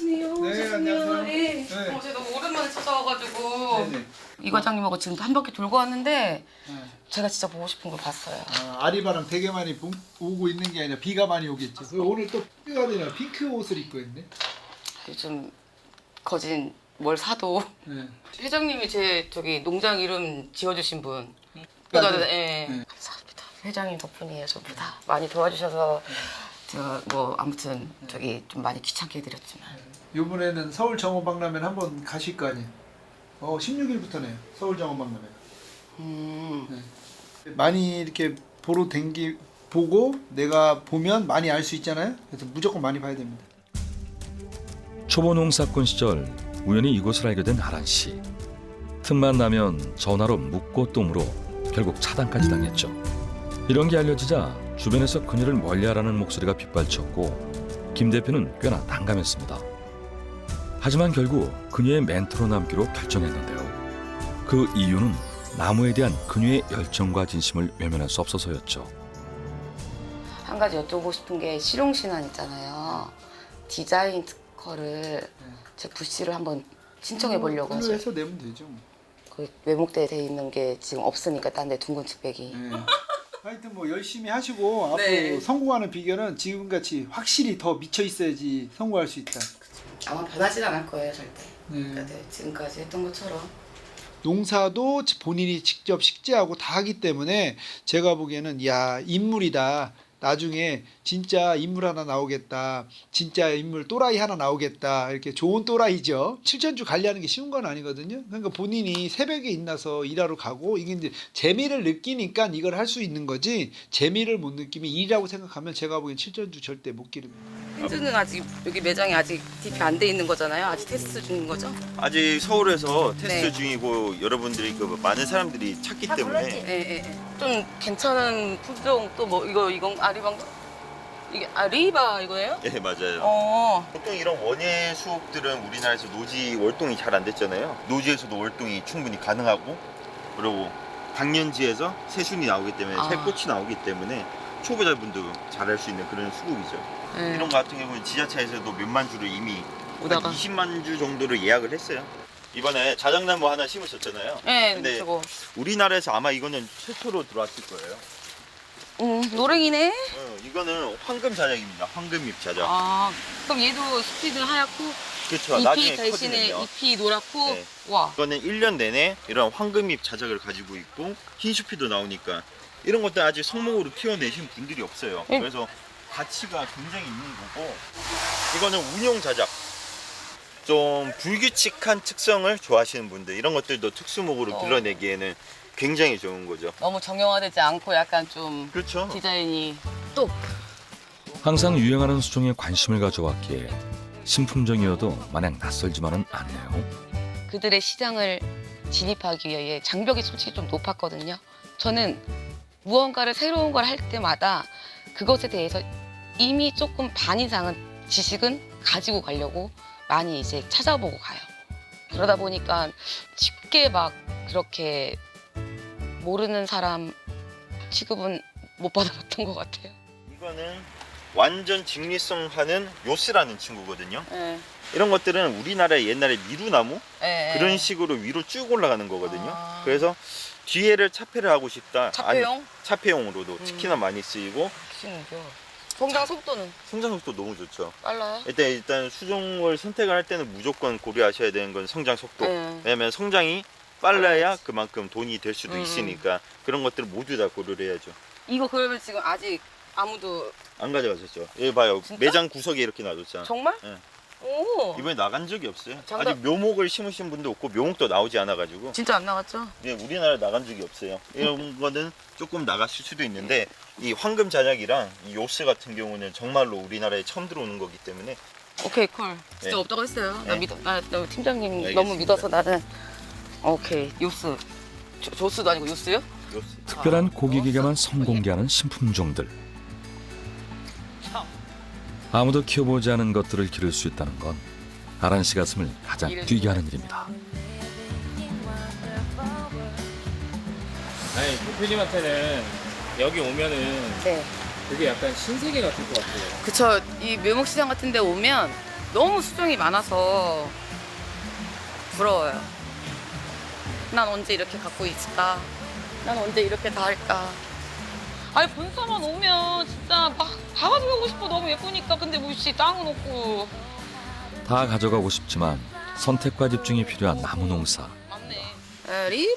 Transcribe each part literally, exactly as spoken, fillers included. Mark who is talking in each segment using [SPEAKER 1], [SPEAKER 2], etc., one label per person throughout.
[SPEAKER 1] 안녕하세요.
[SPEAKER 2] 네, 안녕하세요.
[SPEAKER 1] 네.
[SPEAKER 2] 네.
[SPEAKER 1] 어, 제가 너무 오랜만에 찾아와가지고
[SPEAKER 2] 네네.
[SPEAKER 1] 이 과장님하고 지금 한 바퀴 돌고 왔는데
[SPEAKER 2] 네.
[SPEAKER 1] 제가 진짜 보고 싶은 걸 봤어요.
[SPEAKER 2] 아, 아리바람 되게 많이 보, 오고 있는 게 아니라 비가 많이 오겠죠. 그리고 오늘 또 비가 되나 핑크 옷을 입고 있네.
[SPEAKER 1] 요즘 거진 뭘 사도
[SPEAKER 2] 네.
[SPEAKER 1] 회장님이 제 저기 농장 이름 지어주신 분.
[SPEAKER 2] 맞아요.
[SPEAKER 1] 그러니까, 예.
[SPEAKER 2] 네.
[SPEAKER 1] 감사합니다. 회장님 덕분이에요. 전부 다 많이 도와주셔서 제가 뭐 아무튼 저기 좀 많이 귀찮게 해드렸지만.
[SPEAKER 2] 이번에는 서울 정원박람회 한번 가실 거 아니에요. 어, 십육 일부터네요. 서울 정원박람회.
[SPEAKER 1] 음.
[SPEAKER 2] 네. 많이 이렇게 보러 댕기 보고 내가 보면 많이 알 수 있잖아요. 그래서 무조건 많이 봐야 됩니다.
[SPEAKER 3] 초보 농사꾼 시절 우연히 이곳을 알게 된 아란 씨. 틈만 나면 전화로 묻고 또 물어 결국 차단까지 당했죠. 이런 게 알려지자 주변에서 그녀를 멀리하라는 목소리가 빗발쳤고 김 대표는 꽤나 난감했습니다. 하지만 결국 그녀의 멘토로 남기로 결정했는데요. 그 이유는 나무에 대한 그녀의 열정과 진심을 외면할 수 없어서였죠.
[SPEAKER 1] 한 가지 여쭤보고 싶은 게 실용신안 있잖아요. 디자인 특허를 제 부시를 한번 신청해 보려고
[SPEAKER 2] 글로
[SPEAKER 1] 하죠.
[SPEAKER 2] 해서 내면 되죠.
[SPEAKER 1] 그 외목대에 돼 있는 게 지금 없으니까 딴 데 둥근 측백이.
[SPEAKER 2] 네. 하여튼 뭐 열심히 하시고 앞으로
[SPEAKER 1] 네.
[SPEAKER 2] 성공하는 비결은 지금같이 확실히 더 미쳐 있어야지 성공할 수 있다.
[SPEAKER 1] 아마 변하진 않을 거예요 절대.
[SPEAKER 2] 네.
[SPEAKER 1] 그러니까 네, 지금까지 했던 것처럼.
[SPEAKER 2] 농사도 본인이 직접 식재하고 다 하기 때문에 제가 보기에는 야 인물이다. 나중에 진짜 인물 하나 나오겠다. 진짜 인물 또라이 하나 나오겠다. 이렇게 좋은 또라이죠. 칠천주 관리하는 게 쉬운 건 아니거든요. 그러니까 본인이 새벽에 일어나서 일하러 가고 이게 이제 재미를 느끼니까 이걸 할 수 있는 거지 재미를 못 느끼면 일이라고 생각하면 제가 보기엔 칠천주 절대 못 기릅니다.
[SPEAKER 1] 힌즈는 아직 여기 매장이 아직 디피 안 돼 있는 거잖아요. 아직 테스트 중인 거죠?
[SPEAKER 4] 아직 서울에서 테스트
[SPEAKER 1] 네.
[SPEAKER 4] 중이고 여러분들이 그 많은 사람들이 찾기 때문에
[SPEAKER 1] 예, 예, 예. 좀 괜찮은 품종 또 뭐 이거 이건 아리방가? 이게 아리바 이거예요?
[SPEAKER 4] 예 맞아요.
[SPEAKER 1] 어.
[SPEAKER 4] 보통 이런 원예 수업들은 우리나라에서 노지 월동이 잘 안 됐잖아요. 노지에서도 월동이 충분히 가능하고 그리고 당년지에서 새순이 나오기 때문에
[SPEAKER 1] 아.
[SPEAKER 4] 새꽃이 나오기 때문에 초보자분도 잘할 수 있는 그런 수국이죠.
[SPEAKER 1] 예.
[SPEAKER 4] 이런 거 같은 경우는 지자체에서도 몇만 주를 이미
[SPEAKER 1] 오다가.
[SPEAKER 4] 한 이십만 주 정도를 예약을 했어요. 이번에 자작나무 하나 심으셨잖아요.
[SPEAKER 1] 예,
[SPEAKER 4] 근데
[SPEAKER 1] 저거.
[SPEAKER 4] 우리나라에서 아마 이거는 최초로 들어왔을 거예요.
[SPEAKER 1] 음, 노랭이네.
[SPEAKER 4] 어, 이거는 황금 자작입니다. 황금잎 자작.
[SPEAKER 1] 아, 그럼 얘도 스피드 하얗고
[SPEAKER 4] 그렇죠. 나중에
[SPEAKER 1] 잎이 대신에
[SPEAKER 4] 커지면요.
[SPEAKER 1] 잎이 노랗고
[SPEAKER 4] 네.
[SPEAKER 1] 와.
[SPEAKER 4] 이거는 일 년 내내 이런 황금잎 자작을 가지고 있고 흰수피도 나오니까 이런 것들 아직 성목으로 키워내신 분들이 없어요.
[SPEAKER 1] 음.
[SPEAKER 4] 그래서 가치가 굉장히 있는 거고 이거는 운용 자작. 좀 불규칙한 특성을 좋아하시는 분들 이런 것들도 특수목으로
[SPEAKER 1] 어.
[SPEAKER 4] 길러내기에는 굉장히 좋은 거죠.
[SPEAKER 1] 너무 정형화되지 않고 약간 좀
[SPEAKER 4] 그렇죠.
[SPEAKER 1] 디자인이 또
[SPEAKER 3] 항상 유행하는 수종에 관심을 가져왔기에 신품종이어도 마냥 낯설지만은 않네요.
[SPEAKER 1] 그들의 시장을 진입하기 위해 장벽이 솔직히 좀 높았거든요. 저는 무언가를 새로운 걸 할 때마다 그것에 대해서 이미 조금 반 이상은 지식은 가지고 가려고 많이 이제 찾아보고 가요. 그러다 보니까 쉽게 막 그렇게 모르는 사람 취급은 못 받아봤던 것 같아요.
[SPEAKER 4] 이거는 완전 직리성 하는 요스라는 친구거든요.
[SPEAKER 1] 네.
[SPEAKER 4] 이런 것들은 우리나라의 옛날에 미루나무
[SPEAKER 1] 네.
[SPEAKER 4] 그런 식으로 위로 쭉 올라가는 거거든요.
[SPEAKER 1] 아.
[SPEAKER 4] 그래서 뒤에를 차폐를 하고 싶다.
[SPEAKER 1] 차폐용?
[SPEAKER 4] 아니, 차폐용으로도
[SPEAKER 1] 음.
[SPEAKER 4] 특히나 많이 쓰이고
[SPEAKER 1] 신기해. 성장 속도는
[SPEAKER 4] 성장 속도 너무 좋죠.
[SPEAKER 1] 빨라요?
[SPEAKER 4] 일단 일단 수종을 선택을 할 때는 무조건 고려하셔야 되는 건 성장 속도.
[SPEAKER 1] 네.
[SPEAKER 4] 왜냐면 성장이 빨라야 그만큼 돈이 될 수도
[SPEAKER 1] 음.
[SPEAKER 4] 있으니까 그런 것들을 모두 다 고려를 해야죠.
[SPEAKER 1] 이거 그러면 지금 아직 아무도
[SPEAKER 4] 안 가져가셨죠? 여기 봐요.
[SPEAKER 1] 진짜?
[SPEAKER 4] 매장 구석에 이렇게 놔뒀잖아.
[SPEAKER 1] 정말?
[SPEAKER 4] 네.
[SPEAKER 1] 오.
[SPEAKER 4] 이번에 나간 적이 없어요.
[SPEAKER 1] 장담-
[SPEAKER 4] 아직 묘목을 심으신 분도 없고 묘목도 나오지 않아가지고
[SPEAKER 1] 진짜 안 나갔죠?
[SPEAKER 4] 네, 우리나라 나간 적이 없어요. 이런 거는 조금 나갔을 수도 있는데 이 황금 자작이랑 이 요스 같은 경우는 정말로 우리나라에 처음 들어오는 거기 때문에
[SPEAKER 1] 오케이 콜. 진짜
[SPEAKER 4] 네.
[SPEAKER 1] 없다고 했어요. 나
[SPEAKER 4] 네.
[SPEAKER 1] 믿어. 나, 나 팀장님
[SPEAKER 4] 알겠습니다.
[SPEAKER 1] 너무 믿어서 나는 오케이 요스. 조, 조스도 아니고 요스요?
[SPEAKER 4] 요스.
[SPEAKER 3] 특별한 고객에게만 선공개하는 신품종들. 아무도 키워보지 않은 것들을 기를 수 있다는 건 아란 씨 가슴을 가장 뛰게 하는 일입니다.
[SPEAKER 5] 아니 대표님한테는 여기 오면은
[SPEAKER 1] 네.
[SPEAKER 5] 되게 약간 신세계 같을 것 같아요.
[SPEAKER 1] 그쵸. 이 묘목시장 같은 데 오면 너무 수정이 많아서 부러워요. 난 언제 이렇게 갖고 있을까? 난 언제 이렇게 다 할까? 아니 본사만 오면 진짜 막 다 가져가고 싶어. 너무 예쁘니까. 근데 뭐씨 땅은 없고.
[SPEAKER 3] 다 가져가고 싶지만 선택과 집중이 필요한 나무 농사.
[SPEAKER 1] 맞네. 에, 리브.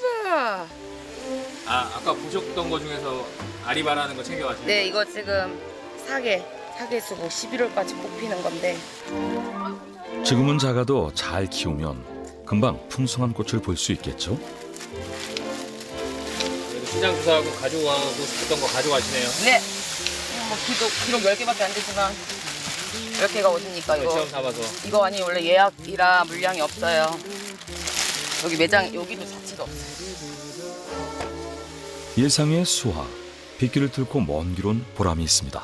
[SPEAKER 5] 아 아까 보셨던 거 중에서 아리바라는 거 챙겨가시는
[SPEAKER 1] 네, 이거 지금 사계 사계 수고 십일월까지 뽑히는 건데.
[SPEAKER 3] 지금은 작아도 잘 키우면 금방 풍성한 꽃을 볼 수 있겠죠.
[SPEAKER 5] 그래도 시장 조사하고 가져가고 싶었던 거 가져가시네요.
[SPEAKER 1] 네. 뭐 기록 기록 열 개밖에 안 되지만 열 개가 어딥니까 이거?
[SPEAKER 5] 시험 삼아서.
[SPEAKER 1] 이거 아니 원래 예약이라 물량이 없어요. 여기 매장 여기도 자체가 없어요.
[SPEAKER 3] 예상의 수화, 빗길을 뚫고 먼 길 온 보람이 있습니다.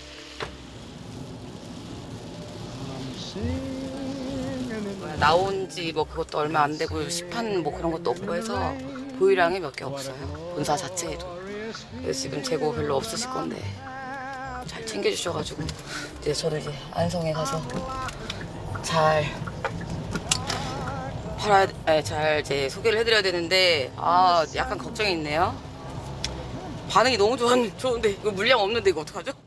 [SPEAKER 1] 나온 지 뭐 그것도 얼마 안 되고 시판 뭐 그런 것도 없고 해서 보유량이 몇 개 없어요. 본사 자체에도. 그래서 지금 재고 별로 없으실 건데 잘 챙겨주셔가지고 이제 저도 이제 안성에 가서 잘 팔아야, 아니, 잘 이제 소개를 해드려야 되는데 아 약간 걱정이 있네요. 반응이 너무 좋았, 좋은데 이거 물량 없는데 이거 어떡하죠?